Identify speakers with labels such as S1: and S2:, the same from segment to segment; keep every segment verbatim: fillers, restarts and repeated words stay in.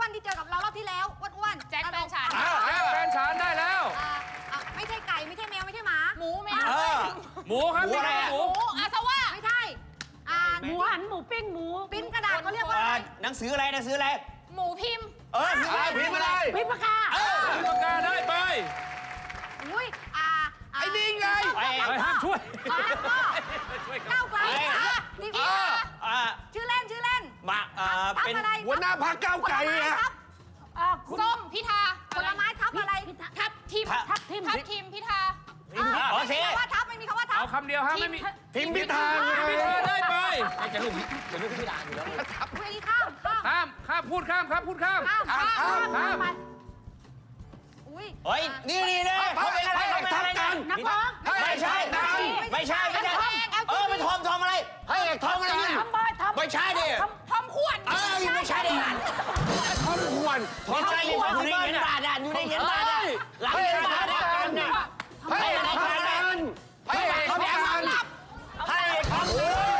S1: วนๆที่เจอกับเรารอบที่แล้วอ้วนๆ
S2: แจ็คแฟนฉัน
S3: แจ็คแฟนฉันได้แล้ว
S1: ไม่ใช่ไก่ไม่ใช่แมวไม่ใช่หมา
S2: หมูแมว
S3: หมูครับ
S4: หมูอะไร
S3: หมู
S2: หมูอาซาว่า
S1: ไม่ใช่อ่า
S5: หมูหันหมูปิ้งหมู
S1: ปิ้นกระดาษเขาเรียกว่าอะไร
S4: หนังสืออะไรหนังสืออะไร
S2: หมูพิมพ์
S4: เออพิมพ์อะไร
S5: พิมพ์ปากกา
S3: ปากกาได้ไป
S1: อุ้ยอ่า
S6: ไอ้นี่ไง
S4: ไอ้
S3: ไปห้ามช่วย
S1: ช่วยก้าวไกลนี่พี่
S4: อ่า
S1: ชื่อเล่นชื่อเล่น
S4: มาอ่า
S1: ทับ
S4: เป็น
S1: อะไร
S6: หัวหน้าพรรคก้าวไกลอะ
S1: ทับ
S2: ส้มพิธา
S1: ผลไม้ทับอะไร
S2: ทับทิม
S5: ทับทิม
S2: ทับทิมพิธา
S4: โอเค
S1: ไม่มีคำว่าทับไม่มีคำว่าทับ
S3: เอาคำเดียวฮะไม่มี
S6: พิมพ์พิธาไง
S3: พิธาได้ไป
S4: จะลูกจะลูกพิธาอยู่แล้ว
S1: เวทีข้ามข้าม
S3: ข้ามข้ามพูดข้ามครับพูดข้าม
S1: ข้ามข้าม
S3: ข้าม
S1: อุ้ย
S4: เฮ้ยนี่นี่เนี่ยเขาเป็นอะไรเขาเป็นอะไรกัน
S5: นักร้อง
S4: ไม่ใช่ไม่ใช่ไม่ใช่เออเป็นทอมทอมอะไรเฮ้ยทอมอะไรเนี่ย
S5: ทำบอยทำ
S4: ไม่ใช่ดิ
S2: ทอมขวน
S4: เออไม่ใช่ดิ
S6: ทอมควร
S4: ทอมอะไรอยู่ในเงินบาทอ่ะอยู่ในเงินบาทอ่ะหลังเงินบาทอ่ะ
S6: ให้ทำกันให้ทำกัน
S4: ให้ทอม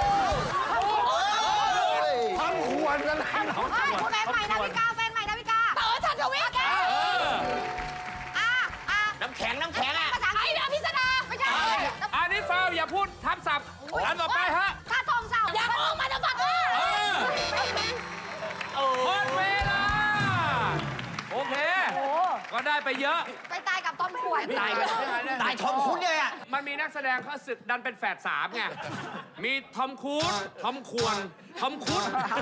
S6: ทำควรกัน
S1: แฟนใหม่ดาวิกาแฟนใหม่ดาวิกา
S2: เต๋อชันทวิทย์
S1: อ่าอ่า
S4: น้ำแข็งน้ำแข็งอ่ะ
S1: ภาษาอัง
S2: ไอ้
S1: กฤษ
S2: ดาพิสดา
S1: ไม่ใช่
S3: อันนี้ฟาวอย่าพูดทับศัพท์อันต่อไปฮะ
S1: ถ้าทองสาว
S2: อยากออกมาจะฟังเออ
S3: เออหมดเวลา โอเค ก็ได้ไปเยอะ
S1: ไปตายกับทอมขวน
S4: ตายตายทอมคุ้นเลยอ่ะ
S3: มันมีนักแสดงเขาสึกดันเป็นแฝดสามไง มีทอมครูซทอมควร ทอมคุด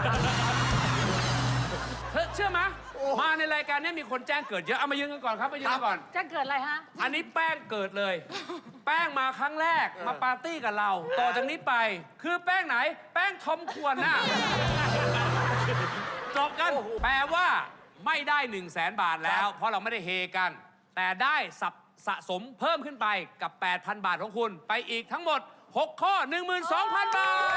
S3: เธอเชื่อไหมมาในรายการนี้มีคนแจ้งเกิดเยอะ เอามายืนกันก่อนครับมายืนกันก่อน
S5: จะเกิดอะไรฮะ
S3: อันนี้แป้งเกิดเลย แป้งมาครั้งแรกมาปาร์ตี้กับเรา ต่อจากนี้ไป คือแป้งไหน แป้งทอมควรน่ะจบกัน แปลว่าไม่ได้1นึ่งแสนบาทแล้ว เพราะเราไม่ได้เฮกัน แต่ได้สับสะสมเพิ่มขึ้นไปกับ แปดพัน บาทของคุณ ไปอีกทั้งหมด หก ข้อ หนึ่งหมื่นสองพัน บาท